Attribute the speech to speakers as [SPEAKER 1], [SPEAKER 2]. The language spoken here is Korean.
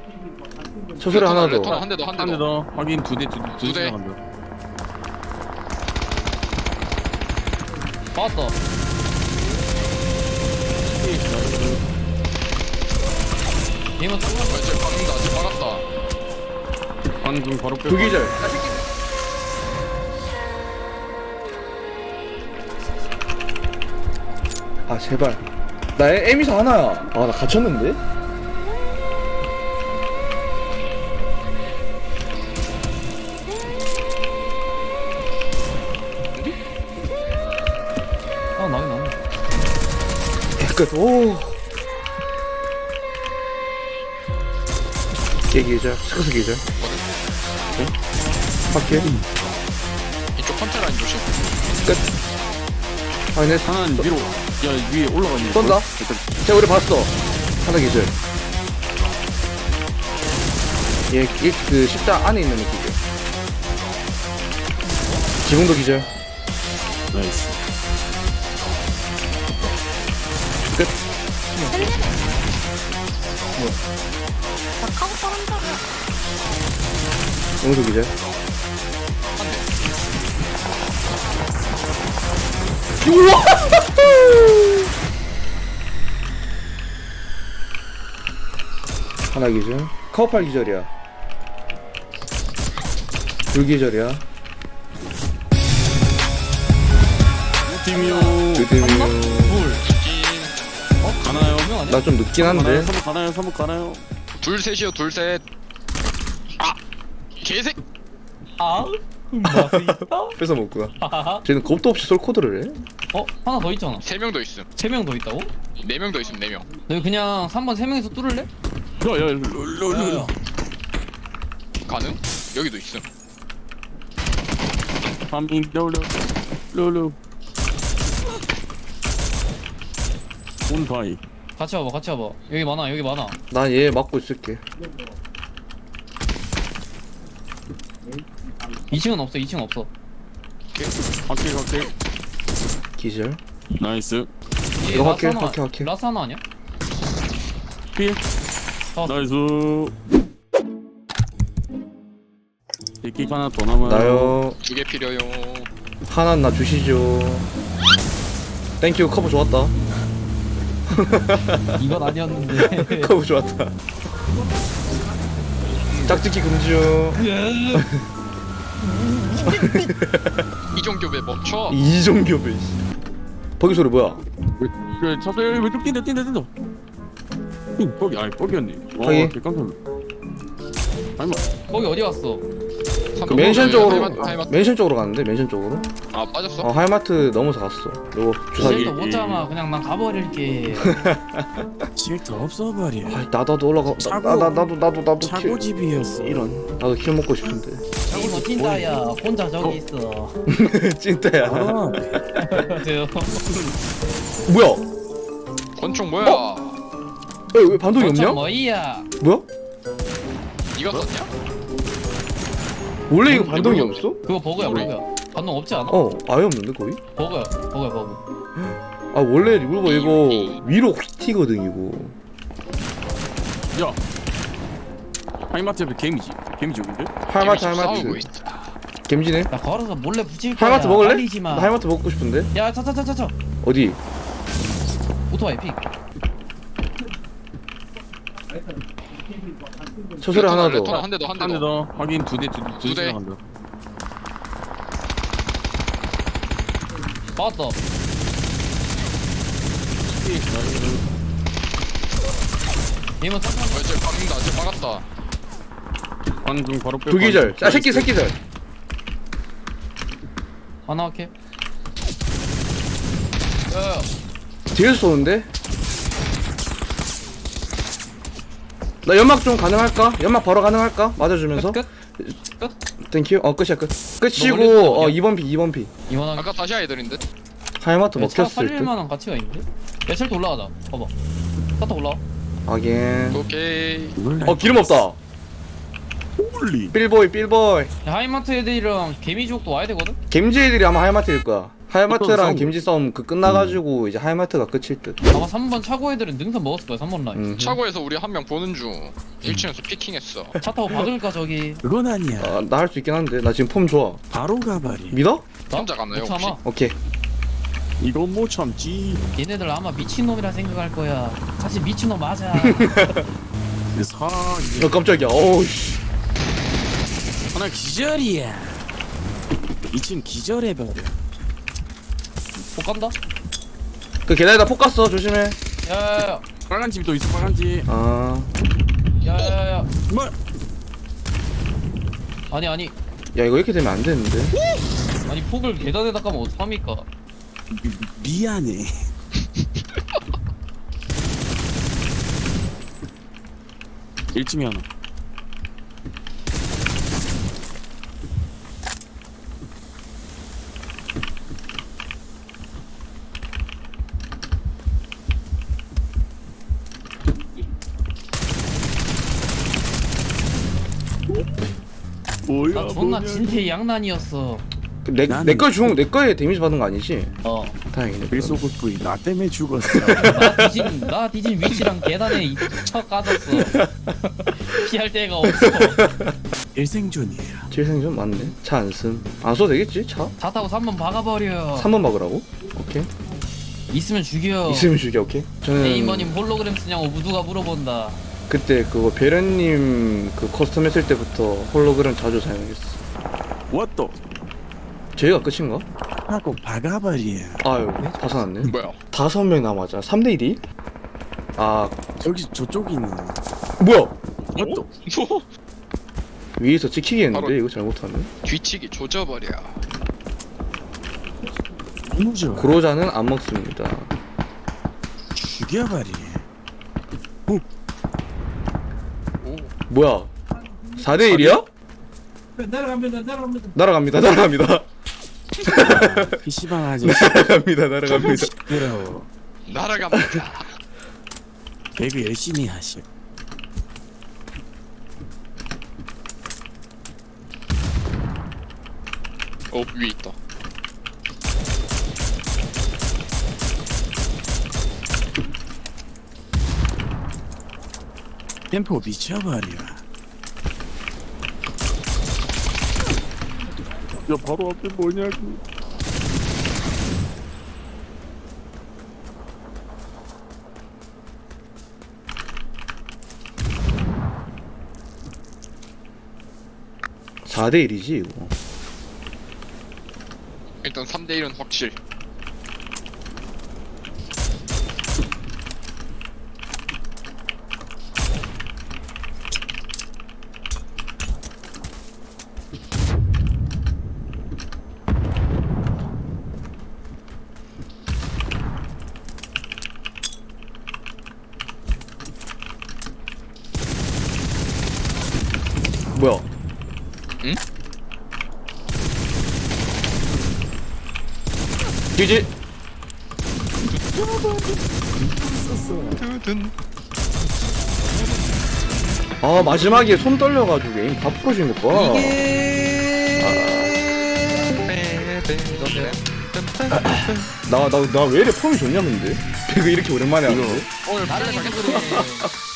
[SPEAKER 1] 저 소리 하나 더.
[SPEAKER 2] 레토나 한 대 더, 한 대 더.
[SPEAKER 3] 확인 두 대
[SPEAKER 2] 두 대.
[SPEAKER 3] 나간다.
[SPEAKER 4] 봤어. 얘만 딱
[SPEAKER 2] 쟤 박는다, 쟤 박았다.
[SPEAKER 3] 방금 바로 빼.
[SPEAKER 1] 두 기절. 아 제발. 나 에미사 하나야. 아 나 갇혔는데?
[SPEAKER 4] 아 나긴 나네.
[SPEAKER 1] 끝. 오. 얘 기절. 스커스 기절. 네? 바퀴.
[SPEAKER 2] 이쪽 컨트 라인 조심.
[SPEAKER 1] 끝. 확인해.
[SPEAKER 3] 하나는 위로. 야 위에 올라가네.
[SPEAKER 1] 쏜다. 쟤 우리 봤어. 하나 기절. 얘그 십자 안에 있는 기절. 지붕도 기절.
[SPEAKER 3] 나이스.
[SPEAKER 1] 끝.
[SPEAKER 5] 나 카고 떨어진다고.
[SPEAKER 1] 용도 기절. 우와! 하나 기절. 카우팔 기절이야. 둘 기절이야.
[SPEAKER 3] 팀이요.
[SPEAKER 1] 드디어.
[SPEAKER 3] 가나요?
[SPEAKER 1] 나 좀 늦긴 한데.
[SPEAKER 3] 선물 가나요? 선물 가나요?
[SPEAKER 2] 둘 셋이요, 둘 셋. 아! 개색!
[SPEAKER 4] 아? 맛있다.
[SPEAKER 1] 뺏어 먹구나.
[SPEAKER 4] 하하하.
[SPEAKER 1] 쟤는 겁도 없이 솔코드를 해.
[SPEAKER 4] 어? 하나 더 있잖아.
[SPEAKER 2] 세 명 더 있음.
[SPEAKER 4] 3명 더 있다고?
[SPEAKER 2] 네 명 더 있음, 네 명.
[SPEAKER 4] 너 그냥 3번 3명이서 뚫을래?
[SPEAKER 3] 야야
[SPEAKER 2] 가능? 여기도 있음.
[SPEAKER 3] 파밍 롤루 온바이.
[SPEAKER 4] 같이 와봐 같이 와봐. 여기 많아 여기 많아.
[SPEAKER 1] 난 얘 막고 있을게.
[SPEAKER 4] 2층은 없어 2층 없어.
[SPEAKER 3] 확킬
[SPEAKER 1] 기절.
[SPEAKER 3] 나이스.
[SPEAKER 4] 얘
[SPEAKER 1] 이거 확해,
[SPEAKER 4] 라스 하나-
[SPEAKER 1] 확해, 확해.
[SPEAKER 4] 라스 하나 아니야?
[SPEAKER 3] 필
[SPEAKER 4] 어.
[SPEAKER 3] 나이스. 데킥 하나 더 남아요.
[SPEAKER 1] 나요.
[SPEAKER 2] 두 개 필요요.
[SPEAKER 1] 하나 나 주시죠. 땡큐. 커버 좋았다.
[SPEAKER 4] 이건 아니었는데.
[SPEAKER 1] 커버 좋았다. 짝짓기 금지요.
[SPEAKER 2] 이종교배 멈춰.
[SPEAKER 1] 이종교배. 버기 소리 뭐야?
[SPEAKER 3] 그래 쳤어. 여기 왼쪽 뛴다. 뻑이 아니 뻑이었네.
[SPEAKER 1] 확인.
[SPEAKER 3] 깜짝 놀랐. 아니
[SPEAKER 4] 거기 어디 갔어?
[SPEAKER 1] 그 맨션 쪽으로
[SPEAKER 2] 하이마트.
[SPEAKER 1] 맨션 쪽으로 갔는데 맨션 쪽으로.
[SPEAKER 2] 아, 빠졌어?
[SPEAKER 1] 하이마트 넘어서 갔어. 요거 주사기.
[SPEAKER 4] 쟤도 못 참아. 그냥 난 가버릴게.
[SPEAKER 3] 질도 없어버려.
[SPEAKER 1] 아, 나도 올라가. 나도 킬.
[SPEAKER 3] 차고집이었어.
[SPEAKER 1] 이런. 나도 킬 먹고 싶은데.
[SPEAKER 4] 이거 찐따야. 혼자 저기 있어.
[SPEAKER 1] 찐따야.
[SPEAKER 3] 아,
[SPEAKER 4] 저요.
[SPEAKER 1] 뭐야?
[SPEAKER 2] 권총 뭐야?
[SPEAKER 1] 왜 반동이 없냐?
[SPEAKER 4] 뭐이야?
[SPEAKER 1] 뭐야?
[SPEAKER 2] 니가 썼냐?
[SPEAKER 1] 원래 이거 반동이 없어?
[SPEAKER 4] 그거 버그야
[SPEAKER 2] 우리-
[SPEAKER 4] 버그야. 반동 없지 않아?
[SPEAKER 1] 어, 아예 없는데 거의?
[SPEAKER 4] 버그야 버그.
[SPEAKER 1] 아 원래 리볼버 이거 위로 휙 튀거든 이거.
[SPEAKER 3] 야. 하이마트 옆에 개미지 여긴데?
[SPEAKER 1] 하이마트
[SPEAKER 2] 싸우고
[SPEAKER 1] 하이마트.
[SPEAKER 2] 있어.
[SPEAKER 1] gem지네.
[SPEAKER 4] 나 걸어서 몰래 붙일 거야.
[SPEAKER 1] 하이마트 먹을래?
[SPEAKER 4] 말리지 마.
[SPEAKER 1] 나 하이마트 먹고 싶은데.
[SPEAKER 4] 야 차차차차차.
[SPEAKER 1] 어디?
[SPEAKER 4] 오토바이 픽.
[SPEAKER 1] 저 소리 하나
[SPEAKER 2] 레토나
[SPEAKER 1] 더.
[SPEAKER 2] 한 대 더, 한
[SPEAKER 3] 한
[SPEAKER 2] 대
[SPEAKER 3] 대
[SPEAKER 2] 더.
[SPEAKER 3] 더. 확인 두 대
[SPEAKER 2] 두 대.
[SPEAKER 3] 나간다.
[SPEAKER 4] 맞다. 얘만 딱
[SPEAKER 2] 쟤 박는다, 쟤 박았다.
[SPEAKER 3] 방금 바로 빼.
[SPEAKER 1] 두 기절. 아 새끼절.
[SPEAKER 4] 하나 할게. 야야.
[SPEAKER 1] 뒤에서 쏘는데? 나 연막 좀 가능할까? 연막 바로 가능할까? 맞아주면서.
[SPEAKER 4] 끝.
[SPEAKER 1] 땡큐. 끝이야 끝.
[SPEAKER 4] 너
[SPEAKER 1] 끝이고
[SPEAKER 4] 멀리
[SPEAKER 1] 2번 피 2번 피.
[SPEAKER 4] 이만하게.
[SPEAKER 2] 아까 다시 아이들인데?
[SPEAKER 1] 하이마트
[SPEAKER 4] 차
[SPEAKER 1] 먹혔을
[SPEAKER 4] 살릴
[SPEAKER 1] 듯.
[SPEAKER 4] 만한 가치가 있는데? 야 쉘터 올라가자. 봐봐. 쉘터 올라와.
[SPEAKER 1] 하긴.
[SPEAKER 2] 오케이.
[SPEAKER 1] 기름 없다.
[SPEAKER 3] 홀리.
[SPEAKER 1] 빌보이.
[SPEAKER 4] 야, 하이마트 애들이랑 개미지옥도 와야 되거든?
[SPEAKER 1] gem지 애들이 아마 하이마트일 거야. 하이마트랑
[SPEAKER 3] 싸움.
[SPEAKER 1] 김지 싸움 그 끝나가지고 이제 하이마트가 끝일 듯.
[SPEAKER 4] 아마 3번 차고 애들은 능선 먹었을 거야 3번 라인.
[SPEAKER 2] 차고에서 우리 한 명 보는 중 1층에서 피킹했어.
[SPEAKER 4] 차 타고 박을까 저기.
[SPEAKER 6] 그건 아니야.
[SPEAKER 1] 아, 나 할 수 있긴 한데 나 지금 폼 좋아.
[SPEAKER 6] 바로 가버리.
[SPEAKER 1] 믿어?
[SPEAKER 2] 혼자 가나요,
[SPEAKER 4] 못
[SPEAKER 2] 혹시?
[SPEAKER 4] 참아.
[SPEAKER 1] 오케이.
[SPEAKER 3] 이건 못 참지.
[SPEAKER 4] 얘네들 아마 미친놈이라 생각할 거야. 사실 미친놈 맞아.
[SPEAKER 1] 어 깜짝이야. 어우 씨.
[SPEAKER 6] 하나 기절이야. 2층 기절해버려.
[SPEAKER 4] 못 간다?
[SPEAKER 1] 그 계단에다 폭 갔어. 조심해.
[SPEAKER 4] 야야야.
[SPEAKER 3] 빨간 집도 있어 빨간 집.
[SPEAKER 1] 아.
[SPEAKER 4] 야야야.
[SPEAKER 3] 뭐?
[SPEAKER 4] 아니
[SPEAKER 1] 야 이거 이렇게 되면 안 되는데.
[SPEAKER 4] 아니 폭을 계단에다 까면 어떡합니까?
[SPEAKER 6] 미안해.
[SPEAKER 3] 일층에 하나.
[SPEAKER 4] 나 존나 진퇴 양난이었어.
[SPEAKER 1] 내 거에 데미지 받은 거 아니지?
[SPEAKER 4] 어.
[SPEAKER 1] 다행이네.
[SPEAKER 6] 일소국부이 나 때문에 죽었어.
[SPEAKER 4] 나 뒤진 위치랑 계단에 쳐 까졌어. 피할 데가 없어.
[SPEAKER 6] 일생존이야.
[SPEAKER 1] 질생전 맞네. 차 안 쓴. 안 써도 되겠지? 차?
[SPEAKER 4] 차 타고 3번 박아버려.
[SPEAKER 1] 3번 막으라고? 오케이.
[SPEAKER 4] 있으면 죽여.
[SPEAKER 1] 있으면 죽여. 오케이. 저는
[SPEAKER 4] 네이머님 홀로그램 쓰냐고 누가 물어본다.
[SPEAKER 1] 그때 그거 베런님 그 커스텀 했을 때부터 홀로그램 자주 사용했어.
[SPEAKER 6] what?
[SPEAKER 1] 저희가 끝인가?
[SPEAKER 6] 하고 박아버려.
[SPEAKER 1] 아유 다 사놨네.
[SPEAKER 2] 뭐야?
[SPEAKER 1] 5명 남았잖아. 3대 1이? 아
[SPEAKER 6] 저기 저쪽이 있는.
[SPEAKER 1] 뭐야?
[SPEAKER 6] what?
[SPEAKER 2] 뭐?
[SPEAKER 1] 위에서 찍히기 했는데
[SPEAKER 2] 바로-
[SPEAKER 1] 이거 잘못하면
[SPEAKER 2] 뒤치기 조져버려.
[SPEAKER 6] 너무 좋아.
[SPEAKER 1] 고로자는 안 먹습니다.
[SPEAKER 6] 죽여버려.
[SPEAKER 2] 오.
[SPEAKER 1] 뭐야? 4대 1이야? 날아갑니다.
[SPEAKER 6] PC방 아저씨.
[SPEAKER 1] 날아갑니다.
[SPEAKER 6] 시끄러워.
[SPEAKER 2] 날아갑니다.
[SPEAKER 6] 배그 열심히 하셔.
[SPEAKER 2] 위에 있다.
[SPEAKER 6] 템포 미쳐버려.
[SPEAKER 3] 야 바로 앞에 뭐냐고.
[SPEAKER 1] 사 대 1이지 이거.
[SPEAKER 2] 일단 3대 1은 확실.
[SPEAKER 1] 뭐야?
[SPEAKER 2] 응?
[SPEAKER 1] 뒤지. 아 마지막에 손 떨려가지고 에임 다 풀어진 것 봐. 나 왜 이래 폼이 좋냐 근데? 이거 이렇게 오랜만에 하는데?
[SPEAKER 2] 오늘
[SPEAKER 4] 나랑
[SPEAKER 2] 플래시
[SPEAKER 4] 해서 그래.